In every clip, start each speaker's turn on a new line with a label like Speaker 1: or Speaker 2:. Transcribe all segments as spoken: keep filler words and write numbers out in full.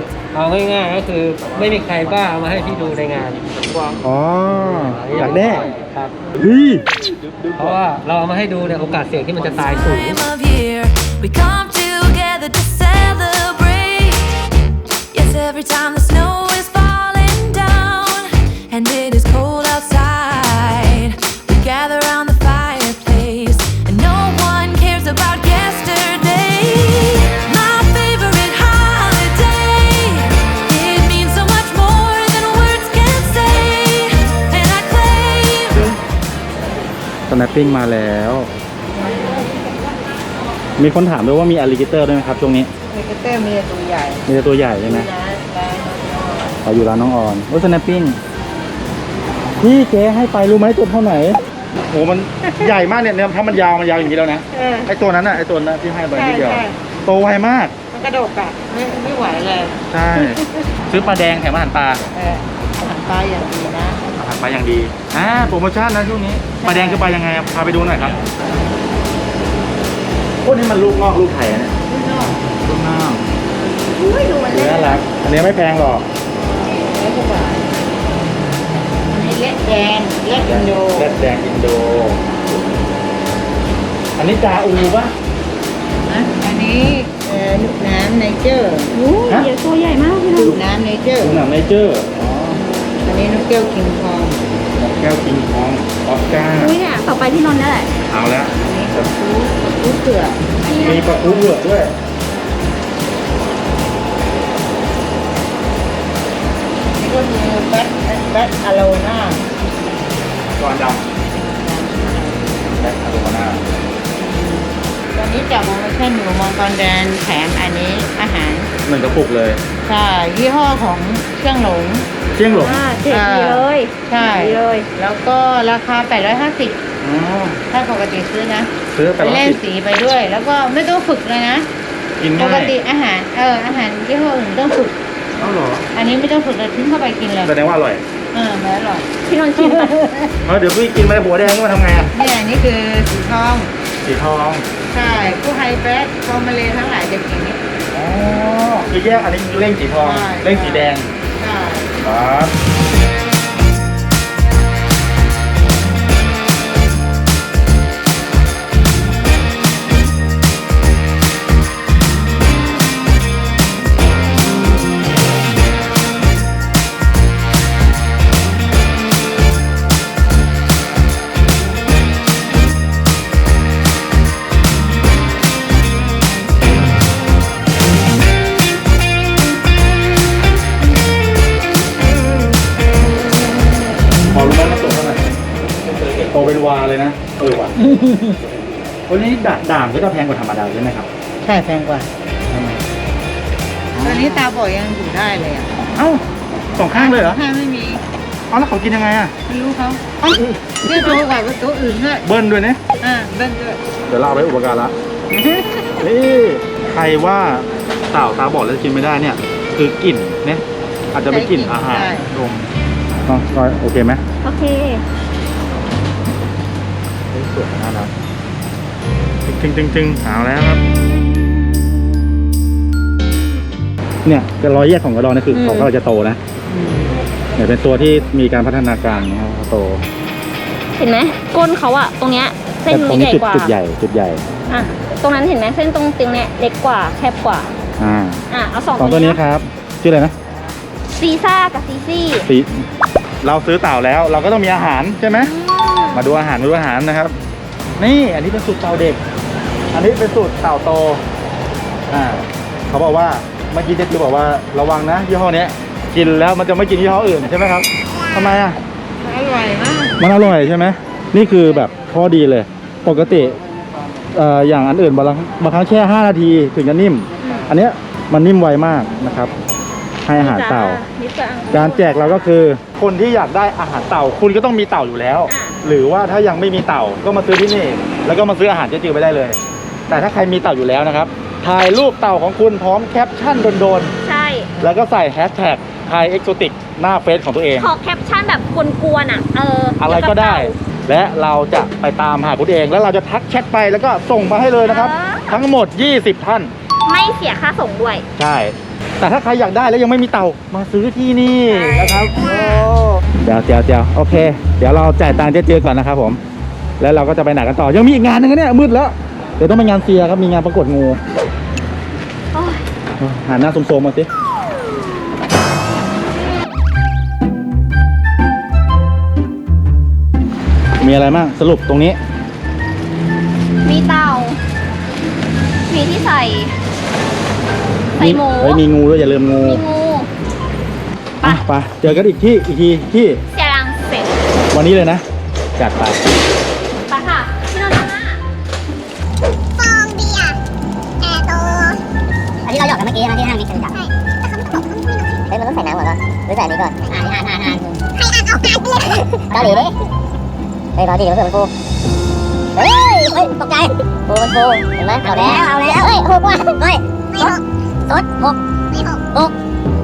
Speaker 1: เอาง่ายๆก็คือไม่มีใครบ้าเอามาให้พี่ดูในงาน
Speaker 2: อ๋ออยากได้
Speaker 1: ครับ
Speaker 2: เฮ้ย
Speaker 1: เพราะว่าเราเอามาให้ดูเนี่ยโอกาสเสี่ยงที่มันจะตายสูง
Speaker 3: We come together to celebrate. Yes, every time the snow is falling down and it is cold outside, we gather around the fireplace and no one cares about yesterday. My favorite holiday. It means so much more than words can say. And I claim
Speaker 2: สแนปปิ้งมาแล้ว มีคนถามด้วยว่ามีอลิเกเตอร์ด้วยไหมครับช่วงนี้
Speaker 4: มีกระเต้มีตัวใหญ่
Speaker 2: มีแต่ตัวใหญ่ใช่ไหม
Speaker 4: ร้านร้าน
Speaker 2: ขออยู่ร้านน้องออนโอ้สแนปปิ้งพี่เจ๊ให้ไปรู้ไหมตัวเท่าไหร่โอ้มัน ใหญ่มากเนี่ยถ้ามันยาวมันยาวอย่างนี้แล้วนะ
Speaker 4: เออ
Speaker 2: ไอตัวนั้นน่ะไอตัวนั้นที่ให้ไป
Speaker 4: ใช่
Speaker 2: นิดเดียว
Speaker 4: ใช่
Speaker 2: โตไวมาก
Speaker 4: มันกระโดดอ่ะไม่ไม่ไหวเลย
Speaker 2: ใช่ ซื้อปลาแดงแถมอาหารปลา
Speaker 4: เอออาหารปลาอย่างดีนะ
Speaker 2: อาหารปลาอย่างดีอ่าโปรโมชั่นนะช่วงนี้ปลาแดงคือปลายังไงครับพาไปดูหน่อยครับพวกนี้มันลูกงอกลูกไข่อะเนี่ยลูกน้ำ
Speaker 4: อุ้ยดูมันเล็ก
Speaker 2: น่ารักอันนี้ไม่แพงหรอก
Speaker 4: เล็กกว่าอันนี้เล็กแดงเล็กอินโด
Speaker 2: แรดแดงอินโด อันนี้จาอูปะ
Speaker 4: นะอันนี้เอ่อลูกน้ำไนเจอร์
Speaker 5: โอ้ยเดี๋ยวตัวใหญ่มากพี่น้อง
Speaker 4: ลูกน้ำไนเจอร์
Speaker 2: ดูหนังเนเจอร์อ๋อ
Speaker 4: อันนี้นกแก้วคิงคอง
Speaker 2: แก้วกิงคองออสการ์
Speaker 5: อุ้ยเนี่ยต่อไปพี่นนท์นั่นแหละ
Speaker 2: เอาแล้ว
Speaker 4: อันนี้กระพูกระพูเผือก
Speaker 2: มีปลาทูเผือกด้วย
Speaker 4: นี่ก็คือแบทแบทอะโลน่า
Speaker 2: ก่อนดำแบ็คอาโรมาน่า
Speaker 4: ตอนนี้จับโปรโมชั่นอยู่มองตอนแดนแถมอันนี้อาหาร
Speaker 2: เหมือนกระปุกเลย
Speaker 4: ใช่ยี่ห้อของเชียงหลง
Speaker 2: เชียงหลง
Speaker 5: อ่าเจ็ดดีเลย
Speaker 4: ใช่
Speaker 5: ดีเลย
Speaker 4: แล้วก็ราคาแปดร้อยห้าสิบ
Speaker 2: อ๋อ
Speaker 4: ถ้าปกติซื้อนะ
Speaker 2: ซื้อไปร้อย
Speaker 4: เล่น
Speaker 2: สิบ
Speaker 4: สีไปด้วย แล้วก็ไม่ต้องฝึกเลยนะ
Speaker 2: กิน
Speaker 4: ป
Speaker 2: ง่าก ย
Speaker 4: ติอาหารเอออาหารยี่ห้ออื่นต้องฝึก
Speaker 2: เอ้าเหรอ
Speaker 4: อันนี้ไม่ต้องฝึกเลยทิ้งเข้าไปกินเลย
Speaker 2: แสดงว่าอร่อย
Speaker 4: เออมันอร่อย
Speaker 5: พี่นนท์ชิมไป
Speaker 2: เออเดี๋ยวพี่กินไปหัวแดงก็มาทำไงอ่ะ
Speaker 4: เนี่ยอันนี้คือสีทอง
Speaker 2: สีทอง
Speaker 4: ใช่ผู้ไฮแบทฟอร์มาเลทั้งหลายจะกินนี้
Speaker 2: อ๋อคือแยกอันนี้เร่งสีทอง
Speaker 4: ใช่
Speaker 2: เร่งสีแดง
Speaker 4: ใช่
Speaker 2: ครับพอรู้ไหมว่าโตเท่าไหร่โตเป็นวาเลยนะเออว่ะวันนี้ด่าด่างก็จะแพงกว่าธรรมดาใช่ไหมครับ
Speaker 4: ใช่แพงกว่า
Speaker 2: ทำไม
Speaker 4: ตอนนี้ตาบอดยังอยู่ได้เลยอ่ะ
Speaker 2: เอ้าสองข้างเลยเหรอ
Speaker 4: ข้างไม่มี
Speaker 2: เอาแล้วเขากินยังไงอ่ะ
Speaker 4: ไม่รู้เขาเอ้าเนี่ยโตกว่าตัวอื่นด้วย
Speaker 2: เบิ้ลด้วยเนี่ย
Speaker 4: อ่าเบิ้ลด้วย
Speaker 2: เดี๋ยวเราเอาไปอุปการะนี่ใครว่าเต่าตาบอดแล้วกินไม่ได้เนี่ย คือกลิ่นเนี่ยอาจจะไม่กลิ่นอาหารดมอ๋อโอเคไหม
Speaker 5: โอเค
Speaker 2: สวยน่ารักจึงจึงจึงเอาแล้วครับ เนี่ยกระรอยแยกของกระดองนี่คือเขากำลังจะโตนะเนี่ยเป็นตัวที่มีการพัฒนาการนะครับเขาโต
Speaker 5: เห็นไหมก้นเขาอะตรงเนี้ยเส้น
Speaker 2: แต่ตรง
Speaker 5: นี้
Speaker 2: นี้
Speaker 5: ใหญ่
Speaker 2: จุด
Speaker 5: กว่า
Speaker 2: จุดใหญ่จุดใหญ่
Speaker 5: อ่ะตรงนั้นเห็นไหมเส้นตรงตรงเนี้ยเล็กกว่าแคบกว่า
Speaker 2: อ่า
Speaker 5: อ่ะเอาสอง
Speaker 2: สองตัวนี้ครับชื่ออะไรนะ
Speaker 5: ซีซ่ากับซีซี่
Speaker 2: สีเราซื้อเต่าแล้ว เราก็ต้องมีอาหารใช่ไหมมาดูอาหารมาดูอาหารนะครับ นี่อันนี้เป็นสูตรเต่าเด็ก อันนี้เป็นสูตรเต่าโตอ่าเขาบอกว่าเมื่อกี้เจ๊คือบอกว่าระวังนะยี่ห้อเนี้ยกินแล้วมันจะไม่กินยี่ห้ออื่นใช่ไหมครับทำไมอ่ะ
Speaker 4: อร่อยมาก
Speaker 2: มันอร่อยใช่ไหมนี่คือแบบข้อดีเลย ปกติเอ่ออย่างอันอื่นบางครั้งบางครั้งแค่ห้านาทีถึงจะนิ่ม อันเนี้ยมันนิ่มไวมากนะครับ ให้อาหารเต่า
Speaker 5: นิดจัง
Speaker 2: การแจกเราก็คือคนที่อยากได้อาหารเต่า คุณก็ต้องมีเต่าอยู่แล้ว
Speaker 5: อ่ะ
Speaker 2: หรือว่าถ้ายังไม่มีเต่าก็มาซื้อที่นี่ แล้วก็มาซื้ออาหารเจ๊จือไปได้เลย แต่ถ้าใครมีเต่าอยู่แล้วนะครับถ่ายรูปเต่าของคุณพร้อมแคปชั่นโดน
Speaker 5: ใช่
Speaker 2: ๆแล้วก็ใส่แฮชแท็กไทยเอ็กโซติกหน้าเฟซของตัวเอง
Speaker 5: ขอแคปชั่นแบบกวนๆอ่ะเออ
Speaker 2: อะ
Speaker 5: อะไร
Speaker 2: ก็ได้ และเราจะไปตามหาคุณเอง แล้วเราจะทักแชทไปแล้วก็ส่งมาให้เลยนะครับ ทั้งหมดยี่สิบท่าน
Speaker 5: ไม่เสียค่าส่งด้วย
Speaker 2: ใช่แต่ถ้าใครอยากได้แล้วยังไม่มีเต่ามาซื้อที่นี่นะครับโอ้เดี๋ยวเดี๋ยวเดี๋ยวโอเค เดี๋ยวเราจ่ายตังค์เจ๊เจก่อนนะครับผมแล้วเราก็จะไปไหนกันต่อยังมีอีกงานหนึงนะเนี่ยมืดแล้วเดี๋ยวต้องไปงานเซียครับมีงานประกวดงู
Speaker 5: โอ้ย
Speaker 2: หันหน้าโซมๆมาสิมีอะไรบ้างสรุปตรงนี้
Speaker 5: มีเต่า มีที่ใส่ ใส่หมู
Speaker 2: เฮ้ยมีงูด้วยอย่าลืมงู
Speaker 5: มีงู
Speaker 2: อ่ะไปเจอกันอีกที่อีกทีที่
Speaker 5: เสียรังเสร็จ
Speaker 2: วันนี้เลยนะจัดไป
Speaker 5: ไปค่ะพี่นนท์นะ
Speaker 6: ฟองเบียร์แอร์โตอันนี้เราหยอกกันเมื่อกี้นะที่ห้างมิกซ์จับใช่แต่เขาไม่ต้องบอกเขาไม่ต้องเฮ้ยมันต้องใส่น้ำก่อนป่ะหรือใส่อันนี้ก่อนอ่านอ่านอ่านอ่านใครอ่านออกอ่านเลยเกาหลีดิเฮ้ยรอดิเดี๋ยวมันฟูเฮ้ยเฮ้ยตกใจฟูมันฟูเห็นไหมเอาแล้วเอาแล้วเฮ้ยหกว่ะเฮ้ยไม่หกสดหกไม่หกหก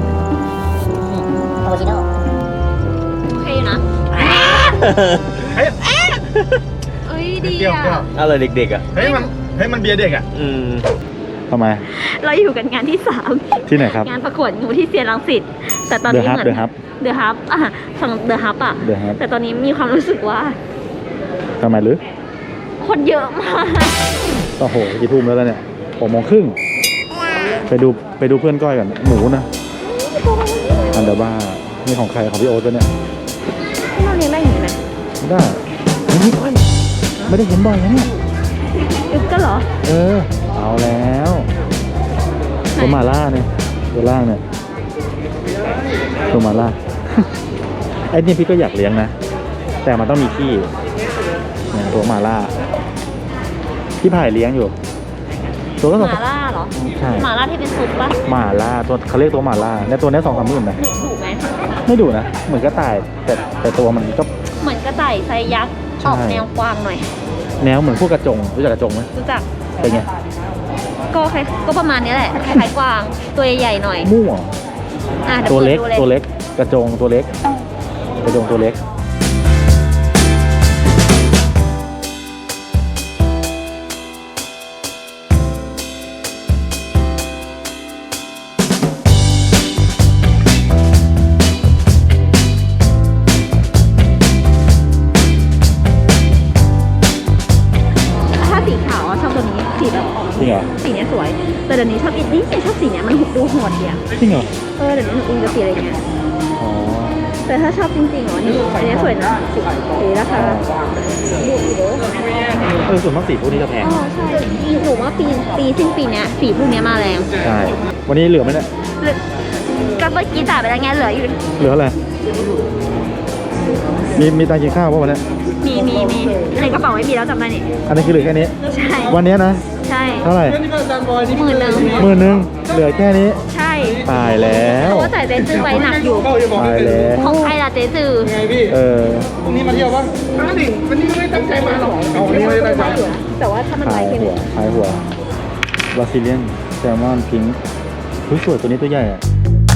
Speaker 6: คาปูชิโน่
Speaker 5: โอเคอยู่นะ
Speaker 2: เฮ้ย
Speaker 5: เอ้ยดี
Speaker 2: เปรี้ยว
Speaker 5: อ่ะ
Speaker 2: เปรี้ยว
Speaker 1: อะไรเด็กๆอ่ะ
Speaker 2: เฮ้ยมันเฮ้ยมันเบียร์เด็กอ่ะ
Speaker 1: อืม
Speaker 2: ทำไม
Speaker 5: เราอยู่กันงานที่สาม
Speaker 2: ที่ไหนครับ
Speaker 5: งานประกวดงูที่เซียนรังสิตแต่ตอนนี้
Speaker 2: The Hub
Speaker 5: เหมือน
Speaker 2: The Hub
Speaker 5: เดอะฮับอ่ะฝั่งเดอะฮับอ่ะ
Speaker 2: The Hub
Speaker 5: แต่ตอนนี้มีความรู้สึกว่า
Speaker 2: ทำไมหรือ
Speaker 5: คนเยอะมาก
Speaker 2: โอ้โหกี่ทุ่มแล้วล่ะเนี่ยหกโมงครึ่งไปดูไปดูเพื่อนก้อยก่อนหมูนะอันเดอร์บ้านี่ของใครของพี่โอ๊ตปะเนี่ย
Speaker 5: ที่เราเลี้ยงได้อย่างนี้ไหม
Speaker 2: ไม่ได้เฮ้ยนี่ก้อยไม่ได้เห็นบ่อยนะเนี่ย
Speaker 5: อึกก็เหรอ
Speaker 2: เออเอาแล้วตัวหมาล่าเนี่ยตัวล่างเนี่ยตัวหมาล่า ไอ้นี่พี่ก็อยากเลี้ยงนะแต่มันต้องมีที่เนี่ยตัวหมาล่าพี่ผ่ายเลี้ยงอยู่ ตัวก็
Speaker 5: ห
Speaker 2: สอง
Speaker 5: มาล่าเหรอ
Speaker 2: ใช่
Speaker 5: หมาล่าที่เป็นซุปปะ
Speaker 2: หมาล่าตัวเขาเรียกตัวหมาล่าเนี่ยตัวเนี้ยสองสามหมื่นนะ
Speaker 5: ดุดุไหม
Speaker 2: ไม่ดุนะเหมือนกระต่ายแต่แต่ตัวมันก็
Speaker 5: เหมือนกระต่ายไซยักษ์
Speaker 2: ใช่
Speaker 5: ออกแนวกวางหน่อย
Speaker 2: แนวเหมือนพวกกระจงรู้จักกระจงไหม
Speaker 5: รู้จัก
Speaker 2: เป็นไง
Speaker 5: ก็คล้ายก็ประมาณนี้แหละ คล้ายๆกวาง ตัวใหญ่ๆหน่อย
Speaker 2: มั่ว
Speaker 5: อ่ะดี๋ย
Speaker 2: ตัวเล็ก
Speaker 5: ปิดดู
Speaker 2: ตัวเล็กกระจงตัวเล็กกระจงตัวเล็ก
Speaker 5: ถ้าสีขาวอะชอบตัวนี้ สีแบบออก
Speaker 2: จริงเหรอ
Speaker 5: สีเนี้ยสวย แต่เดี๋ยวนี้ชอบอีกนี่ชอบสีเนี้ยมันดูโหดดีอะ
Speaker 2: จริงเหรอ
Speaker 5: เออเดี๋ยวนี้หนูอินกับสีอะไรเงี้ย
Speaker 2: อ๋อ
Speaker 5: แต่ถ้าชอบจริงๆเหรอนี่อันนี้สวยนะสีราคาดูอีกเด้อ
Speaker 2: เออส่วนมากสีพวกนี้จะแพง
Speaker 5: อ๋อใช่หนูว่าปีปีสิ้นปีเนี้ยสีพวกเนี้ยมาแรง
Speaker 2: ใช่วันนี้เหลือไหมเนี่ย
Speaker 5: เหลือก็เมื่อกี้จ่ายไปแล้วไงเหลืออยู่
Speaker 2: เหลืออะไรมีมีตังค์กินข้าวป่ะวันเนี้ย
Speaker 5: มีมีมีในกระเป๋าไม่มีแล้วจำได้นี่
Speaker 2: อันนี้คือเหลือแค่นี้
Speaker 5: ใช่
Speaker 2: วันนี้นะ
Speaker 5: ใช่
Speaker 2: เท่าไหร่
Speaker 5: หมื่นหนึ่ง
Speaker 2: หมื่นหนึ่งเหลือแค่นี้
Speaker 5: ใช่
Speaker 2: ตายแล้ว
Speaker 5: เพราะว่าจ่ายเจ๊จื้อไว้หนักอยู่
Speaker 2: ตายแล้ว
Speaker 5: ของใครล่ะเจ๊จื้อ
Speaker 2: เออ
Speaker 7: วันนี้มาเที่ยวป่ะมาดิวันนี้ไม่ตั้งใจมาหรอกเอาวันนี้ไม่ได้ตั้งใจ
Speaker 5: แต่ว่าถ้ามัน
Speaker 2: ขา
Speaker 5: ไว้
Speaker 2: ย
Speaker 5: แค่
Speaker 2: หัว
Speaker 5: นี้
Speaker 2: ขายหัวบราซิเลียนแซลมอนพิงค์หุ้ยสวยตัวนี้ตัวใหญ่อะ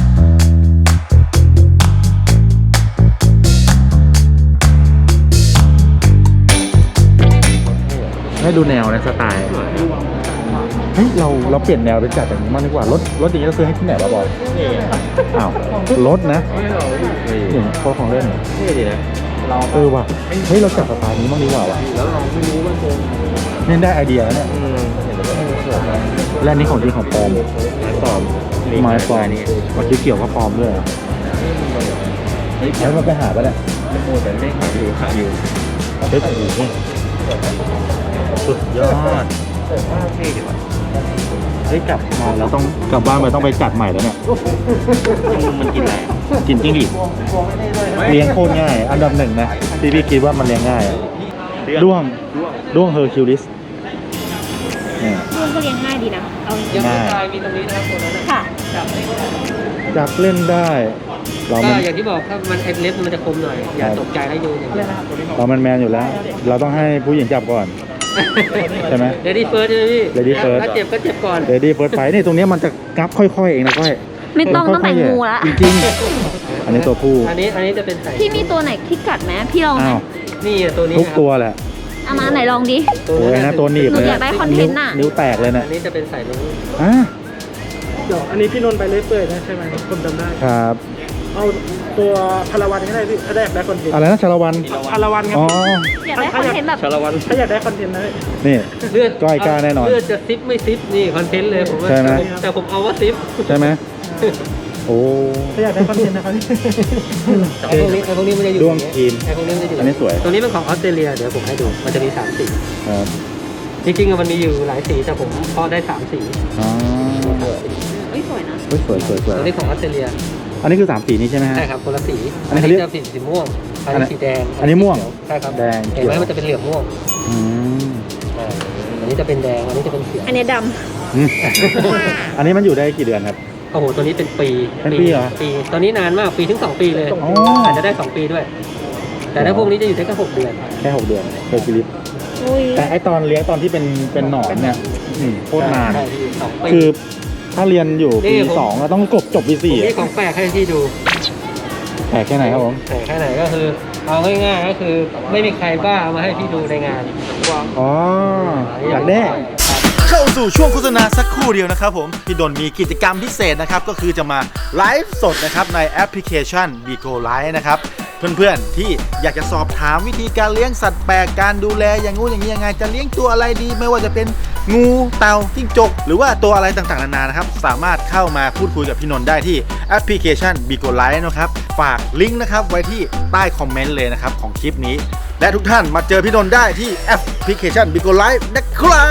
Speaker 2: ให้ดูแนวนะสไตล์เฮ้ยเราเราเปลี่ยนแนวไปจัดอย่างนี้มากดีกว่ารถรถอย่างนี้เราซื้อให้ที่ไหนบ้าบอลอ้าวรถนะนี่พวกของเล่น
Speaker 1: เท่ดีนะ
Speaker 2: เออว่ะเฮ้ยเราจัดสไตล์นี้บ้างดีกว่าว่ะ
Speaker 1: แล้วเราไม่รู้ว่าจะ
Speaker 2: เนี่ยได้ไอเดียแล้วเนี่ย
Speaker 1: อืมเห็นแล้วก็สวยนะ
Speaker 2: และอันนี้ของจริงของปลอม
Speaker 1: ไม้ปลอม
Speaker 2: ไม้ปลอม
Speaker 1: นี่
Speaker 2: มันเกี่ยวกับปลอมด้วยเหรอแล้วมันไปหาปะเนี่ย
Speaker 1: โอ้แต่ไม่ขายอยู่ขายอยู่
Speaker 2: เฮ้ยโอ้โหสุดยอด
Speaker 1: เท่ดีว่ะ
Speaker 2: เฮ้ยกลับมาเราต้องกลับบ้านไปต้องไปจัดใหม่แล้วเนี่ย
Speaker 1: มันกินอะไร
Speaker 2: กินจิ้งหรีดเลี้ยงโคตรง่าย อันดับหนึ่งนะที่พี่คิดว่ามันเลี้ยงง่ายอะด้วงด้วงเฮอร์คิวลิสเนี่ย
Speaker 5: ลูกก็เลี้ยงง่ายดีนะ เอาจริง
Speaker 2: ง่าย
Speaker 1: มีตรงนี้นะครับตัวนั้น
Speaker 5: ๆค่ะ
Speaker 2: จับเล่นได้ เรา
Speaker 1: ก็
Speaker 2: มัน
Speaker 1: อย่างที่บอกถ้ามันไอเล็บมันจะคมหน่อย อย่าตกใจให้ดูอย่างเดียว
Speaker 2: เรามันแมนอยู่แล้ว เราต้องให้ผู้หญิงจับก่อน ใช่ไหม
Speaker 1: เลดี้เฟิร์สใช่ไหมพี่
Speaker 2: Lady first
Speaker 1: ถ้าเจ็บก็เจ็บก่อน
Speaker 2: เดดี้เฟิร์สไฟนี่ตรงเนี้ยมันจะงับค่อยๆเองนะก้อย
Speaker 5: ไม่ต้องต้องแต่งงูละ
Speaker 2: จริงๆอันนี้ตัวผู้
Speaker 1: อันนี้อันนี้จะเป็นใส่
Speaker 5: พี่มีตัวไหนที่กัดไหมพี่ลองไหม
Speaker 2: อ้าว
Speaker 1: นี่อ่ะตัวนี้
Speaker 2: ทุก
Speaker 1: ครับ
Speaker 2: ตัวแหละ
Speaker 5: เอามาไหนลองดิ
Speaker 1: ตัว
Speaker 2: โอ้ยนะตัวหนีบ
Speaker 5: หนู
Speaker 2: เลย
Speaker 5: อยากได้คอนเทนต์น่ะ
Speaker 2: นิ้วแตกเลยนะ
Speaker 1: อันนี้จะเป็นใส่ตรงนี้
Speaker 2: อ่ะ
Speaker 7: เดี๋ยวอันนี้พี่นนท์ไปเลยเปื่อยนะใช่ไหมผมจำได้
Speaker 2: ครับ
Speaker 7: เอาตัวพลวันก็ได้พี่ถ้าได้ได้คอนเทนต์
Speaker 2: อะไรนะชาละวัน
Speaker 7: พลวันครับ
Speaker 2: อ๋อ
Speaker 5: อยากได้คอนเทนต์แบบ
Speaker 1: ชาละวัน
Speaker 7: ถ้าอยากได้คอนเทนต์นะ
Speaker 2: นี่
Speaker 1: เลือด
Speaker 2: ก้อยกล้าแน่นอน
Speaker 1: เลือดจะซิปไม่ซิปนี่คอนเทนต์เลยผมว่า
Speaker 2: ใช่ไหม
Speaker 1: แต่ผมเอาว่าซิป
Speaker 2: ใช่ไหมโอ้
Speaker 7: ถ้าอยากได้คอนเทนต์นะครับ
Speaker 1: ไอ้พวกนี้ไอ้พวกนี้มันจะอยู่
Speaker 2: ด้วงครีม
Speaker 1: ไอ้พวกนี้มันจะอยู่
Speaker 2: อันนี้สวย
Speaker 1: ตัวนี้เป็นของออสเตรเลียเดี๋ยวผมให้ดูมันจะมีสามสี
Speaker 2: ครับ
Speaker 1: จริงๆอะมันมีอยู่หลายสีแต่ผมพอได้สามสี
Speaker 2: อ๋อ
Speaker 5: เฮ้ยสวยนะ
Speaker 2: เฮ้ยสวยสวยสวย
Speaker 1: ตัวนี้ของออสเตรเลีย
Speaker 2: อันนี้คือสามสีนี้ใช่ไหมฮะ
Speaker 1: ใช่ครับคนละสี
Speaker 2: อันนี้เขาเรียก
Speaker 1: จะสีสีม่วงอัน
Speaker 2: อันนี้
Speaker 1: นี้สีแดง
Speaker 2: อันนี้ม่วง
Speaker 1: ใช่ครับ
Speaker 2: แดง
Speaker 1: เห็นไหม
Speaker 2: เขียว
Speaker 1: มันจะเป็นเหลืองม่วง
Speaker 2: อืม
Speaker 1: อ่าอันนี้จะเป็นแดงอันนี้จะเป็นเขียว
Speaker 5: อันเนี้ยด
Speaker 2: อืมอันนี้มันอยู่ได้กี่เดือนครับ
Speaker 1: โอ้โหตัวนี้เป็นปี
Speaker 2: เป็นปีเหรอ
Speaker 1: ปีตัวนี้นานมากปีถึงสองปีเลย
Speaker 2: อ๋อ
Speaker 1: อาจจะได้สองปีด้วย แต่ถ้าพวกนี้จะอยู่ได้แค่หกเดือน
Speaker 2: แค่หกเดือนเคยชีวิต
Speaker 5: ำอุ้ย
Speaker 2: แต่ไอตอนเลี้ยงตอนที่เป็นเป็นหนอนเนี่ยอืมโคตรนาน
Speaker 1: ใช่พี่สองปี
Speaker 2: คือถ้าเรียนอยู่
Speaker 1: นี่
Speaker 2: ปี
Speaker 1: ผม
Speaker 2: สองก็ต้องกบจบปี
Speaker 1: ผม
Speaker 2: สี่
Speaker 1: นี่ของแปลกให้พี่ดู
Speaker 2: แปลกแค่ไหนครับผม
Speaker 1: แต่แค่ไหนก็คือเอาง่ายๆก็คือไม่มีใครบ้าเอามาให้พี่ดูในงานว่า
Speaker 2: อ๋ออยากได้
Speaker 8: เข้าสู่ช่วงโฆษณาสักครู่เดียวนะครับผมพี่ดนมีกิจกรรมพิเศษนะครับก็คือจะมาไลฟ์สดนะครับในแอปพลิเคชัน Bigo Live นะครับเพื่อนๆที่อยากจะสอบถามวิธีการเลี้ยงสัตว์แปลกการดูแลอย่างงู้นอย่างนี้ยังไงจะเลี้ยงตัวอะไรดีไม่ว่าจะเป็นงูเต่าจิ้งจกหรือว่าตัวอะไรต่างๆนานานะครับสามารถเข้ามาพูดคุยกับพี่นนท์ได้ที่แอปพลิเคชัน Bigo Live นะครับฝากลิงก์นะครับไว้ที่ใต้คอมเมนต์เลยนะครับของคลิปนี้และทุกท่านมาเจอพี่นนท์ได้ที่แอปพลิเคชัน Bigo Live นะครับ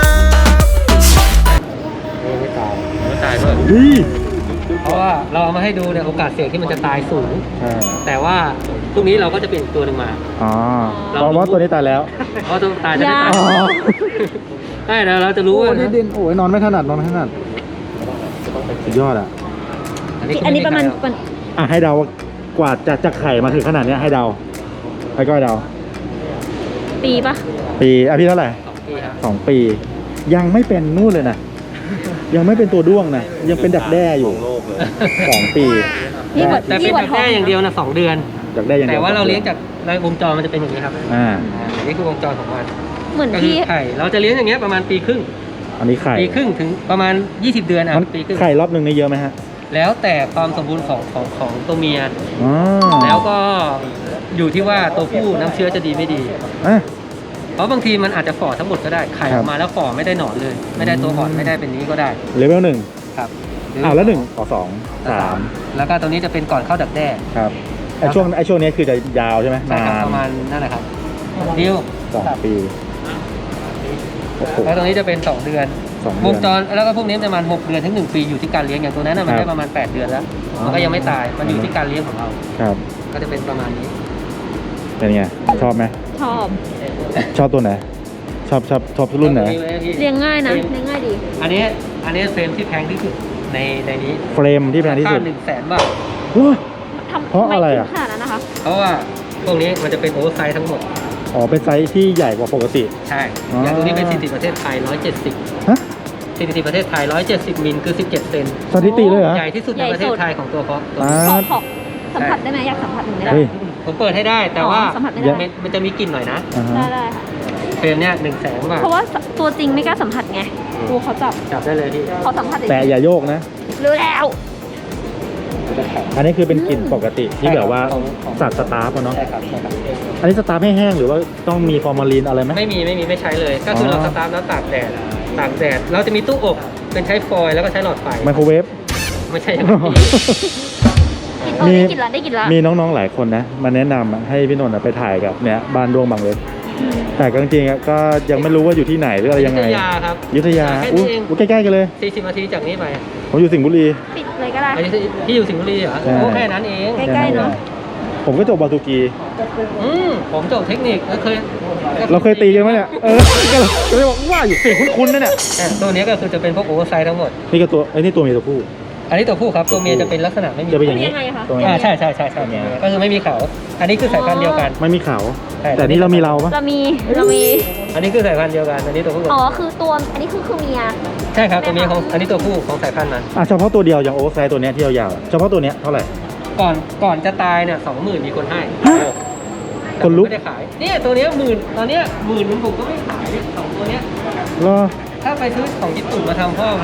Speaker 1: ไม่ตายไม่ตายด้วย
Speaker 2: ดี
Speaker 1: เพราะว่าเราเอามาให้ดูเนี่ยโอกาสเสี่ยงที่มันจะตายสูง
Speaker 2: ใช่
Speaker 1: แต่ว่าพรุ่งนี้เราก็จะเปลี่ยนอีกตัวหนึ่งมา
Speaker 2: อ๋อเพราะว่าตัวนี้ตายแล้ว
Speaker 1: เพราะตัวตายจะไม่ตาย
Speaker 2: อ๋อ
Speaker 1: ใช่แล้วเราจะรู้
Speaker 2: โอ้
Speaker 1: ว่า
Speaker 2: ดินดินโอ้ยนอนไม่ถนัดนอนไม่ถนัดสุดยอดอ่ะ
Speaker 5: อันนี้ประมาณ
Speaker 1: ไ
Speaker 5: ประมาณ
Speaker 2: อ่ะให้เดากว่าจะจะไข่มาถึงขนาดเนี้ยให้เดาให้ก้อยเดา
Speaker 5: ปีปะ
Speaker 2: ปีอ่ะพี่เท่าไหร่
Speaker 1: สองปีครับ
Speaker 2: สองปี ยังไม่เป็นนู่นเลยนะยังไม่เป็นตัวด้วงนะยังเป็นดักแด้อยู่สองปี
Speaker 5: นี่กว่า
Speaker 1: แต่เป็
Speaker 5: นี่
Speaker 1: น
Speaker 5: กว่า
Speaker 1: แบบ
Speaker 5: ท้อง
Speaker 1: แค่อย่างเดียวนะสองเดือน
Speaker 2: ดักแด้อย่างเดี
Speaker 1: แต่
Speaker 2: ยว
Speaker 1: ว่าเราเลี้ยงจากในวงจรมันจะเป็นอย่างนี้ครับ
Speaker 2: อ่า
Speaker 1: อ่าอันนี้คือวงจรของมัน
Speaker 5: เหมือน
Speaker 1: ก็คือ
Speaker 5: พี่
Speaker 1: ไข่เราจะเลี้ยงอย่างเงี้ยประมาณปีครึ่ง
Speaker 2: อันนี้ไข่
Speaker 1: ปีครึ่งถึงประมาณยี่สิบเดือนอ่ะ
Speaker 2: มัน
Speaker 1: ปีครึ่ง
Speaker 2: ไข่รอบหนึ่งนี่เยอะไหมฮะ
Speaker 1: แล้วแต่ความสมบูรณ์ของของของตัวเมีย
Speaker 2: อ๋อ
Speaker 1: แล้วก็อยู่ที่ว่าตัวผู้น้ำเชื้อจะดีไม่ดี
Speaker 2: อ่ะ
Speaker 1: เพราะบางทีมันอาจจะฝ่อทั้งหมดก็ได้ไข่
Speaker 2: ค
Speaker 1: อ
Speaker 2: รั
Speaker 1: อบ กมาแล้วฝ่อไม่ได้หนอนเลย ไม่ได้ตัวอ่อนไม่ได้เป็นนี้ก็ได้
Speaker 2: เลเวลหนึ่ง
Speaker 1: ครับหรื
Speaker 2: อ้าวแล้วหนึ่งต่อสองสาม
Speaker 1: แล้วก็ตรงนี้จะเป็นก่อนเข้าดักแด้
Speaker 2: ครับไอช่วงไอช่วงนี้คือจะยาวใช่ไหม
Speaker 1: ใช่
Speaker 2: นา
Speaker 1: ครับ
Speaker 2: น
Speaker 1: ประมาณนั่นแหละครับดิว
Speaker 2: สองปีโอ้โห
Speaker 1: แล้วตรงนี้จะเป็นสองเดือน
Speaker 2: สอง
Speaker 1: ว
Speaker 2: เดื
Speaker 1: ง
Speaker 2: อน
Speaker 1: จรแล้วก็พวกนี้ประมาณหกเดือนถึงหนึ่งปีอยู่ที่การเลี้ยงอย่างตัวนั้นน่ะมัน
Speaker 2: ครับ
Speaker 1: ได้ประมาณแปดเดือนแล้วมันก็ยังไม่ตายมันอยู่ที่การเลี้ยงของเรา
Speaker 2: ครับ
Speaker 1: ก็จะเป็นประมาณนี้
Speaker 2: เป็นไงชอบไหม
Speaker 5: ชอบ
Speaker 2: ชอบตัวไหนชอบชอบชอบรุ่นไหน
Speaker 5: เลี้ยงง่ายนะ เลี้ยงง่ายดี
Speaker 1: อันนี้อันนี้เฟรมที่แพงที่สุดในในนี้
Speaker 2: เฟรมที่แพงที่สุด
Speaker 1: หนึ่งแสนบาท
Speaker 2: ว้า
Speaker 5: ทำ
Speaker 2: เพราะอะไรอะ
Speaker 5: ม่ถึงขนาดนั้นนะคะ
Speaker 1: เพราะว่าพวกนี้มันจะเป็นโอเวอร์ไซส์ทั้งหมด
Speaker 2: อ๋อเป็นไซส์ที่ใหญ่กว่าปกติ
Speaker 1: ใช่
Speaker 2: อ๋อ
Speaker 1: อย่างตัวนี้เป็นสถิติประเทศไทยหนึ่งร้อยเจ็ดสิบ
Speaker 2: ฮะ
Speaker 1: สถิติประเทศไทยหนึ่งร้อยเจ็ดสิบมิลคือสิบเจ็ดเซน
Speaker 2: สถิติเลยเหรอ
Speaker 1: ใหญ่ที่สุดในประเทศไทยของตัวเพาะตัว
Speaker 2: อ่า
Speaker 1: นี้
Speaker 5: ขอขอสัมผัสได้ไหมอยากสัมผัสหนึ่งได้ไหม
Speaker 2: เฮ้ย
Speaker 1: ผมเปิดให้ได้แต่ว่า
Speaker 5: อ๋อสัมผัสไม่ได้
Speaker 1: มันมันจะมีกลิ่นหน่อยนะ
Speaker 2: อ่า
Speaker 5: ได้
Speaker 2: ฮะ
Speaker 5: ได้ค่ะ
Speaker 1: เฟรมเนี่ยหนึ่งแสนบาท
Speaker 5: เพราะว่าตัวจริงไม่กล้าสัมผัสไงดูเขาจับ
Speaker 1: จับได้เลยพี่
Speaker 5: เขาสัมผัส
Speaker 2: แต่อย่าโยกนะ
Speaker 5: รู้แล้ว
Speaker 2: อันนี้คือเป็นกลิ่นปกติที่แบบว่าสัตว์สตาร์ฟอะเนาะ
Speaker 1: ใช่ครับใช่ครับ
Speaker 2: อันนี้สตาร์ฟให้แห้งหรือว่าต้องมีฟอร์มาลีนอะไรไหม
Speaker 1: ไม่มีไม่มีไม่ใช้เลย ก็คืออ
Speaker 2: อ
Speaker 1: เราสตาร์ทแล้วตากแดดตากแดดเราจะมีตู้อบเป็นใช้ฟอยล์แล้วก็ใช้หลอดไฟ
Speaker 2: ไมโครเวฟ
Speaker 1: ไม่ใช่อย่างนี้
Speaker 5: เออ
Speaker 2: มี
Speaker 5: ได้กินละได้กินละ
Speaker 2: มีน้องๆหลายคนนะมาแนะนำอะให้พี่นนท์อะไปถ่ายกับเนี่ยบ้านดวงบางเล็กแต่ก็จริงๆอะก็ยังไม่รู้ว่าอยู่ที่ไหนหรืออะไรยังไง
Speaker 1: อยุธยาครับ
Speaker 2: อยุธยา
Speaker 1: แค่
Speaker 2: อู้
Speaker 1: นี้เอง
Speaker 2: อู้ใกล้ๆกันเลย
Speaker 1: สี่สิบนาทีจากนี้ไป
Speaker 2: ผมอยู่สิงห์บุรี
Speaker 5: ปิดเลยก็ได้
Speaker 1: อันนี้ที่อยู่สิงห์บุรีเหรอ
Speaker 2: ใช่
Speaker 1: โอ้แค่นั้นเอง
Speaker 5: ใกล้ๆเนอะ
Speaker 2: ผมก็จบบาซูกี
Speaker 1: อืมผมจบเทคนิคแล้วเคย
Speaker 2: เราเคยตีกันไหมเนี่ยเออก็เลยก็เลยบอกว่าอยู่เสียงคุ้นๆนั่นแหละ
Speaker 1: อ่ะตัวนี้ก็คือจะเป็นพวกโอเวอร์ไซส์ทั้งหมด
Speaker 2: นี่ก็ตัวไอ้นี่ตัวเมียตัวผู้
Speaker 1: อันนี้ตัวผู้ครับตัวเมียจะเป็นลักษณะไม่มี
Speaker 2: จะเป็นอย่าง
Speaker 5: นี้
Speaker 2: นี้
Speaker 5: ยังไงอะคะ
Speaker 2: ตัว
Speaker 1: อ่า
Speaker 2: นี้
Speaker 1: ใช่ใช่ใช่ใช่ก็คือไม่มีเขาอันนี้คือสายพันธุ์เดียวกัน
Speaker 2: ไม่มีเขา
Speaker 1: ใช่
Speaker 2: แต่นี่เรามีเราปะ
Speaker 5: เรามีเรามี
Speaker 1: อันนี้คือสายพันธุ์เดียวกันอันนี้ตัวผู้
Speaker 5: อ๋อคือตัวอันนี้คือคือเมีย
Speaker 1: ใช่ครับตัวเมียของอันนี้ตัวผู้ของสายพันธุ์มัน
Speaker 2: อ่ะเฉพาะตัวเดียวอย่างโอเวอร์ไซส์ตัวเนี้ยที่ยาวๆอะเฉพาะตัวเนี้ยเท่าไหร่
Speaker 1: ก่อนก่อนจะตายเนี่ยสองหมื่นมีคนให้
Speaker 2: ฮะ
Speaker 1: แต่
Speaker 2: คนลุก
Speaker 1: ไม่ได้ขายเนี่ยตัวเนี้ยหมื่นตอนเนี้ยหมื่นนึงผมก็ไม่ขายเนี่ยสองตัวเนี้ย
Speaker 2: รอ
Speaker 1: ถ้าไปซื้อของญี่ปุ่นมาทำพ่อพันธุ์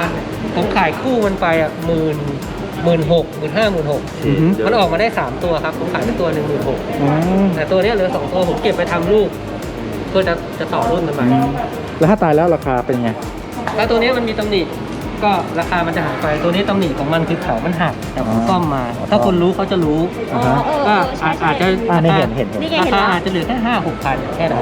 Speaker 1: ผมขายคู่มันไปอ่ะหมื่นหมื่นหกหมื่นห้าหมื่นหก
Speaker 2: อือฮึ
Speaker 1: มันออกมาได้สามตัวครับผมขายไปตัวหนึ่งหมื่นหก
Speaker 2: อ๋อ
Speaker 1: แต่ตัวเนี้ยเหลือสองตัวผมเก็บไปทำลูกเพื่อจะจะต่อรุ่นกันไป
Speaker 2: แล้วถ้าตายแล้วราคาเป็นไง
Speaker 1: แล้วตัวนี้มันมีตำหนิก็ราคามันจะหายไปตัวนี้ตำหนิของมันคือเขามันหักแต่ผมซ่อมมา ถ้าคนรู้เขาจะรู้
Speaker 2: อ่าฮะ
Speaker 1: ก็อาจอาจจะ
Speaker 2: อ่านี่เห็นเห็นเห็น
Speaker 5: นี่ไง
Speaker 1: รา
Speaker 5: เห็น
Speaker 1: คา
Speaker 5: แล้ว
Speaker 1: อาจจะเหลือแค่ห้าหกพันแค่
Speaker 2: อ๋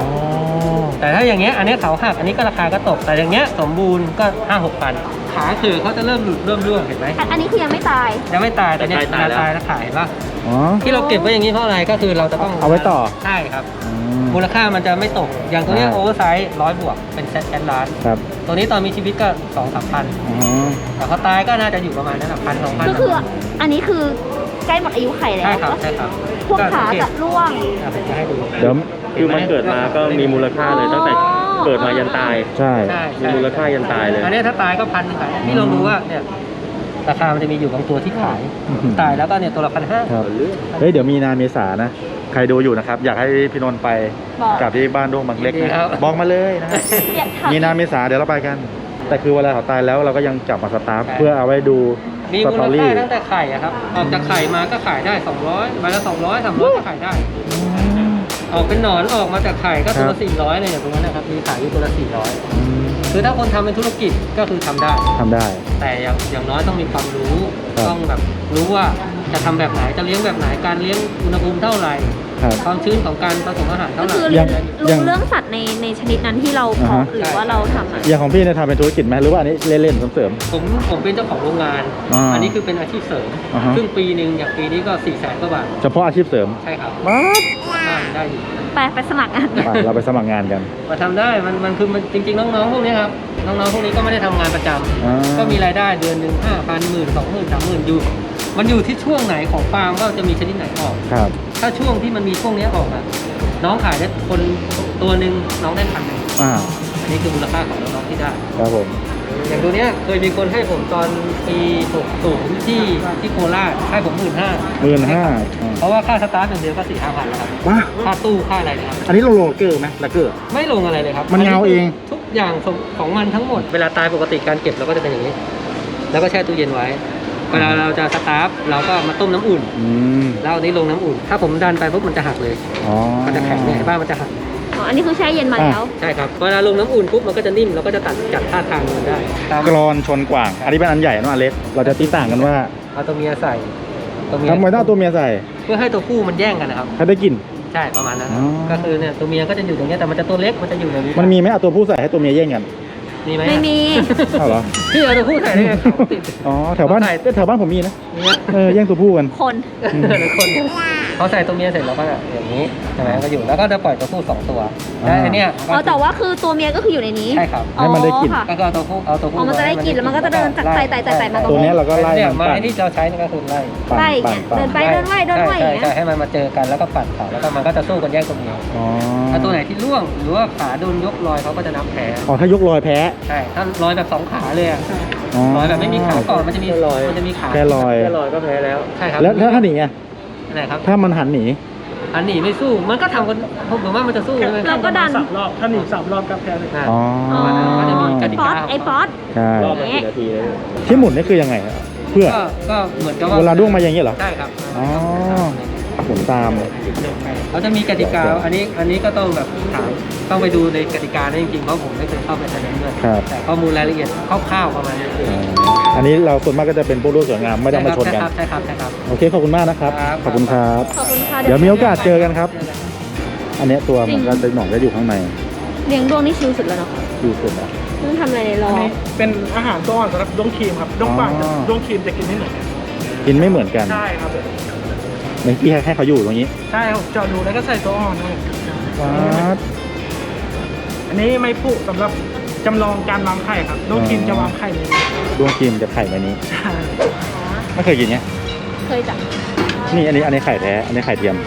Speaker 1: นั้
Speaker 2: อน
Speaker 1: แต่ถ้าอย่างเงี้ยอันเนี้ยเขาหักอันนี้ก็ราคาก็ตกแต่อย่างเงี้ยสมบูรณ์ก็ห้าหกพันขาคือเขาจะเริ่มหลุดเริ่มร่วงเห็นไหม
Speaker 5: อันอันนี้คือยังไม่ตาย
Speaker 1: ยังไม่ตายแต่เนี้ยตายตายแล้วขายป่ะ
Speaker 2: อ๋อ
Speaker 1: ที่เราเก็บไว้อย่างนี้เพราะอะไรก็คือเราจะต้อง
Speaker 2: เอาไว้ต่อ
Speaker 1: ใช่ครับ
Speaker 2: อืม
Speaker 1: มูลค่ามันจะไม่ตกอย่างตัวเนี้ย
Speaker 2: อ่า
Speaker 1: โอเวอร์ไซส์ร้อยบวกเป็นแสนแสนล้าน
Speaker 2: ครับ
Speaker 1: ตัวนี้ตอนมีชีวิตก็สองสามพัน
Speaker 2: อ๋อ
Speaker 1: แต่พอตายก็น่าจะอยู่ประมาณนั้นพันสองพัน
Speaker 5: ก็คืออันนี้คือใกล้หมดอายุไข่แล้ว
Speaker 1: ใช่ครับใช่ครับ
Speaker 5: พวกขาจะร่วง
Speaker 1: อ่ะผมจะให้ดู
Speaker 2: เดี๋ยว
Speaker 9: คือมันเกิดมาก็มีมูลค่าเลยตั้งแต่เกิดมายันตาย
Speaker 2: ใช่
Speaker 1: ใช่
Speaker 9: มีมูลค่ายันตายเลย
Speaker 1: อันนี้ถ้าตายก็พันหนึ่งขายพี่ลองดูว่าเนี่ยราคามันจะมีอยู่บางตัวที่ขาย
Speaker 2: อื้อหือ
Speaker 1: ตายแล้วก็เนี่ยตัวละพันห้า
Speaker 2: ครับเฮ้ยเดี๋ยวมีนาเมษานะ ใครดูอยู่นะครับ อยากให้พี่นนท์ไป
Speaker 5: บอก
Speaker 2: กับที่บ้านดงบางเล็ก
Speaker 1: ดี
Speaker 2: นะครับ บอกมาเลยนะฮะ
Speaker 5: อยากถาม
Speaker 2: มีนาเมษาเดี๋ยวเราไปกัน แต่คือเวลาเขาตายแล้วเราก็ยังจับมาสตาร์ฟ
Speaker 1: ใช่
Speaker 2: เพื่อเอาไว้ดู
Speaker 1: มี
Speaker 2: ส
Speaker 1: มู
Speaker 2: ต
Speaker 1: ล
Speaker 2: อ
Speaker 1: ค่า
Speaker 2: รี่
Speaker 1: ตั้งแต่ไข่อะครับออกจากไข่มาก็ขายได้สองร้อยใบละสองร้อยสามร้อยก็ขายได้ ออกเป็นหนอนออกมาจากไข่ก็ตัว
Speaker 2: ครั
Speaker 1: ละ
Speaker 2: บ
Speaker 1: สี่ร้อยเลยอย่างตรงนั้นนะครับมีขายอยู่ตัวละสี่ร้อย
Speaker 2: อืม
Speaker 1: คือถ้าคนทำเป็นธุรกิจก็คือทำได้
Speaker 2: ทำได้
Speaker 1: แต่อย่างอย่างน้อยต้องมีความรู้
Speaker 2: ครับ
Speaker 1: ต้องแบบรู้ว่าจะทำแบบไหนจะเลี้ยงแบบไหนการเลี้ยงอุณหภูมิเท่าไหร่
Speaker 2: ครับ
Speaker 1: ความชื้นของการผสมอาหาร
Speaker 5: ก็
Speaker 1: เท่าไหร่
Speaker 5: คือเรียน
Speaker 2: ยัง
Speaker 5: รู้เรื่องสัตว์ในในชนิดนั้นที่เราเพาะ
Speaker 2: อ่าฮะ
Speaker 5: หรือว่าเราทำอะ
Speaker 2: อย่างของพี่เนี่ยทำเป็นธุรกิจไหมหรือว่าอันนี้เล่นๆเสริม
Speaker 1: ผมผมเป็นเจ้าของโรงงาน
Speaker 2: อ่า
Speaker 1: อันนี้คือเป็นอาชีพเสริม
Speaker 2: อ่าฮะ
Speaker 1: ซึ่งปีหนึ่งอย่างปีนี้ก็สี่แสนกว่าบาท
Speaker 2: ๆเฉพาะอาชีพเสริม
Speaker 1: ใช่ครับ
Speaker 2: มา
Speaker 1: ได้ได้อยู่
Speaker 5: ไปไปสมัครงาน
Speaker 2: ไปเราไปสมัครงานกัน
Speaker 1: มาทำได้มันมันคือมันจริงๆน้องๆพวกนี้ครับน้องๆพวกนี้ก็ไม่ได้ทำงานประจำ
Speaker 2: อ่า
Speaker 1: ก็มีรายได้เดือนหนึ่งห้าพันหมื่นสองหมื่นสามหมื่นอยู่ มันอยู่ที่ช่วงไหนของฟาร์มว่าจะมีชนิดไหนออก
Speaker 2: ครับ
Speaker 1: ถ้าช่วงที่มันมีช่วงนี้ออกอ่ะน้องขายได้คนตัวหนึ่งน้องได้พันหนึ่ง
Speaker 2: อ่า
Speaker 1: อันนี้คือมูลค่าของน้องๆที่ได้
Speaker 2: ครับผม
Speaker 1: อย่างตัวเนี้ยเคยมีคนให้ผมตอนปีหกสิบที่ที่โคราชให้ผมหมื่นห้า
Speaker 2: หมื่นห้า
Speaker 1: เพราะว่าค่าสตาร์ทอย่างเดียวก็สี่ห้าพันแล้วครับ
Speaker 2: ว้า
Speaker 1: ค่าตู้ค่าอะไรนะครับ
Speaker 2: อันนี้เราโลเกอร์ไหมละเกอร์
Speaker 1: ไม่ลงอะไรเลยครับ
Speaker 2: มันเงาเอง
Speaker 1: ทุกอย่างของมันทั้งหมด เวลาตายปกติการเก็บเราก็จะเป็นอย่างนี้ แล้วก็แช่ตู้เย็นไว้ เวลาเราจะสตาร์ฟเราก็มาต้มน้ำอุ่น
Speaker 2: อืม
Speaker 1: แล้วเอานี้ลงน้ำอุ่น ถ้าผมดันไปปุ๊บมันจะหักเลย
Speaker 2: อ๋อ
Speaker 1: มันจะแข็งเนี่ยบ้านมันจะหัก
Speaker 5: อ๋ออันนี้คือแช่เย็นมาแล้ว
Speaker 1: ใช่ครับ เวลาลงน้ำอุ่นปุ๊บมันก็จะนิ่มเราก็จะตัดจัดท่าทางมันได้ตาม
Speaker 2: กรอนชนกว่าง อันนี้เป็นอันใหญ่นะอันเล็ก เราจะตีต่างกันว่า
Speaker 1: เอาตัวเมียใส่ตัวเมีย
Speaker 2: ทำไมต้องเอาตัวเมียใส่
Speaker 1: เพื่อให้ตัวผู้มันแย่งกันนะครับ
Speaker 2: ให้ได้กลิ่น
Speaker 1: ใช่ประมาณนั้น
Speaker 2: อ๋อ
Speaker 1: ก็คือเนี่ยตัวเมียก็จะอยู่ตรงเนี้ยแต่มันจะตัวเล็กมันจะอยู่ในนี้
Speaker 2: มันมีไหมเอาตัวผู้ใส่ให้ตัวเมียแย่งกัน
Speaker 1: มีไหม
Speaker 5: ไม่มี
Speaker 2: เอาเหรอ
Speaker 1: พี่เอาตัวผู้ใส่ได้ไงเขาติด
Speaker 2: อ๋อแถวบ้าน
Speaker 1: ใส่
Speaker 2: แถวบ้านผมมีนะ
Speaker 1: เนี่ย
Speaker 2: เออแย่งตัวผู้กัน
Speaker 5: คน
Speaker 2: อืม
Speaker 1: หรือคนเขาใส่ตัวเมียเสร็จแล้วก็อย่างนี้ใช่ไหมก็อยู่แล้วก็จะปล่อยตัวผู้สองตัวแล้วไอ้เนี่ย
Speaker 5: อ๋อแต่ว่าคือตัวเมียก็คืออยู่ในนี้
Speaker 1: ใช่ครับ
Speaker 2: ให้มันได้กลิ่น
Speaker 5: อ๋อค่ะ
Speaker 1: ก็คือเอาตัวผู้เอาตัวผู้
Speaker 5: อ๋อมันจะได้กลิ่นแล้วมันก็จะเดินจากไต่ไต่ไต่ไต่มาตรง
Speaker 2: ตัวเนี้ยเราก็ไล่
Speaker 1: เนี่ย
Speaker 2: มัน
Speaker 1: ไม้
Speaker 2: ปั่น
Speaker 1: ที่เราใช้นี่ก็คือไล่
Speaker 2: ปั่น
Speaker 5: ไล่
Speaker 2: ปั่
Speaker 5: เนี่
Speaker 2: น
Speaker 5: ย
Speaker 2: ปั่น
Speaker 5: เดินไปเดินไหวเดินไหวอ
Speaker 1: ใช่
Speaker 5: ย่าง
Speaker 1: ใช่
Speaker 5: เงี้ย
Speaker 1: ให้มันมาเจอกันแล้วก็ปั่นเขาแล้วก็มันก็จะสู้กันแย่งตัวเมีย
Speaker 2: อ๋อ
Speaker 1: ถ้าตัวไหนที่ร่วงหรือว่าขาโดนยกลอยเขาก็จะนับแพ้
Speaker 2: อ๋อถ้ายกลอยแพ้
Speaker 1: ใช่ถ้าลอยแบบสองขาเลยอะ
Speaker 2: อ๋อ
Speaker 1: ลอยแบบไม่มีขาก่อนมันจะมีมันจะมีขา
Speaker 2: แค่ลอย
Speaker 1: แค่ลอยก็แพ้แล้วใช่ครับ
Speaker 2: แล้วแล้วถ้าหนีอ่ะ
Speaker 1: อะไรครับ
Speaker 2: ถ้ามันหันหนี
Speaker 1: อันหนีไม่สู้มันก็ทำกันผมว่ามันจะสู้ใช่ไหม
Speaker 5: เราก็ดัน
Speaker 7: สามรอบ ถ้าหนีสามรอบก็แพ้เลย
Speaker 1: อ่า
Speaker 2: อ๋อ
Speaker 5: อ๋อ
Speaker 1: มันจะมีกติ
Speaker 5: ป๊อก
Speaker 1: า
Speaker 5: สไอ้ป๊อส
Speaker 2: ใช่
Speaker 9: รอบละกี่นาทีเลย
Speaker 2: ที่หมุนนี่คือยังไงอะเพื่อ
Speaker 1: ก็ก็เหมือนกับว่า
Speaker 2: เวลาด้วงมาอย่างนี้เหรอ
Speaker 1: ใช่ครับ
Speaker 2: อ๋อ หมุนตาม
Speaker 1: เขาจะมีกติกาอันนี้อันนี้ก็ต้องแบบถามต้องไปดูในกติกานั้นจริงๆเพราะผมไม่เคยเข้าไปในนั้นด้วย
Speaker 2: ครับ
Speaker 1: แต่ข้อมูลรายละเอียดคร่าวๆประมาณนี้
Speaker 2: อ๋ออันนี้เราส่วนมากก็จะเป็นพวกรูปสวยงามไม่ต้องมาชนกัน
Speaker 1: ใช่ครับใช่ครับใช่ครับ
Speaker 2: โอเคขอบคุณมากนะครับ
Speaker 1: ครับ
Speaker 2: ขอบคุณครับ
Speaker 5: ขอบคุณค่ะ
Speaker 2: เดี๋ยวมีโอกาสเจอกันครับ อันเนี้ยตัวมันก็จะหนอนก็อยู่ข้างใน
Speaker 5: เลี้ยงดวงนี่ชิลสุดแล้วเนาะ
Speaker 2: อยู่สุดอ่ะ
Speaker 5: เพิ่งทำอะไรในรอ
Speaker 7: อันนี้เป็นอาหารตัวอ่อนสำหรับด้วงครีมครับด้วงป่าง
Speaker 2: อ๋อ
Speaker 7: ด้วงครีมจะกินไม่เหมือนกัน
Speaker 2: กินไม่เหมือนกัน
Speaker 7: ใช่ครับผม
Speaker 2: เมื่อกี้ให้เขาอยู่ตรงนี้
Speaker 7: ใช่ครับเจาะรูแล้วก็ใส่ตัวอ่อนครับผม
Speaker 2: วัด
Speaker 7: อันนี้ไม่ผูกสำหรับจำลองการวางไข่ครับด้วงครีมจะวางไข่ในนี้
Speaker 2: ดวงครีมจะไข่ในนี้
Speaker 7: ใช่
Speaker 2: ไม่เคยกินไง
Speaker 5: เคยจ้ะ
Speaker 2: นี่อันนี้อันนี้ไข่แท้ อันนี้ไข่เทียม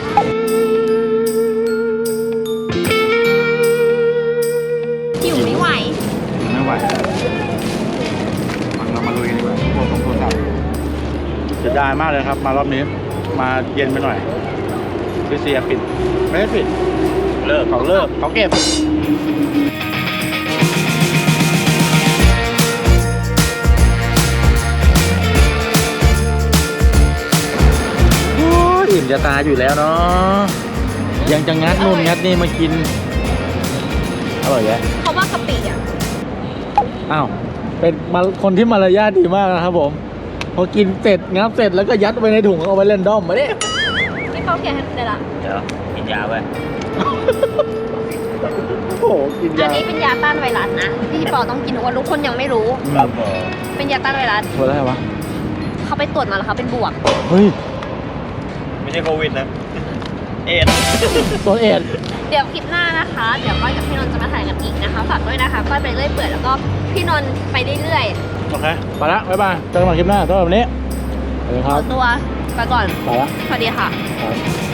Speaker 5: หิวไม่ไหว
Speaker 2: ไม่ไหวเรามาลุยกันดีกว่าพวกของโทรศัพท์เสียดายมากเลยครับ มารอบนี้ มาเย็นไปหน่อยคือเสียปิด ไม่ได้ปิด เลิกเขาเลิกเขาเก็บอิ่มจะตายอยู่แล้วเนาะยังจะงัดนู่นงัดนี่มากินอร่อยแยะ
Speaker 5: เขาว่ากะปิอ่ะ
Speaker 2: อ้าวเป็นมาคนที่มารยาทดีมากนะครับผมพอกินเสร็จงับเสร็จแล้วก็ยัดไว้ในถุงเอาไว้เล่นด้อมมาดิ
Speaker 5: นี่เขาแกะให้ได้ละ
Speaker 9: เดี๋ยวกินยาไป
Speaker 2: โอ้โหกิน
Speaker 5: อั
Speaker 2: ยาน
Speaker 5: นี้เป็นยาต้านไวรัสนะที่พี่ปอต้องกินทุกวันทุกคนยังไม่รู้
Speaker 2: ครับ
Speaker 5: เป็นยาต้านไวรัส
Speaker 2: ตัวอะไรวะ
Speaker 5: เขาไปตรวจมาแล้วเขาเป็นบวก
Speaker 2: เฮ้ย
Speaker 9: ไม่ใช่โควิดนะ เอ็ด
Speaker 2: ตัวเอ็ด
Speaker 5: เดี๋ยวคลิปหน้านะคะ เดี๋ยวก้อยกับพี่นนท์จะมาถ่ายกันอีกนะคะฝากด้วยนะคะก้อยไปเรื่อยเปื่อยแล้วก็พี่นนท์ไปเรื่อย
Speaker 2: โอเคไปละบ๊ายบายเจอกันใหม่คลิปหน้าสำหรับวันนี้สวัสดี
Speaker 5: ๆ
Speaker 2: ค
Speaker 5: ข
Speaker 2: รั
Speaker 5: อบ ตัวไปก่อน
Speaker 2: ไปละ
Speaker 5: สวัสดีค่ะ
Speaker 2: ครับ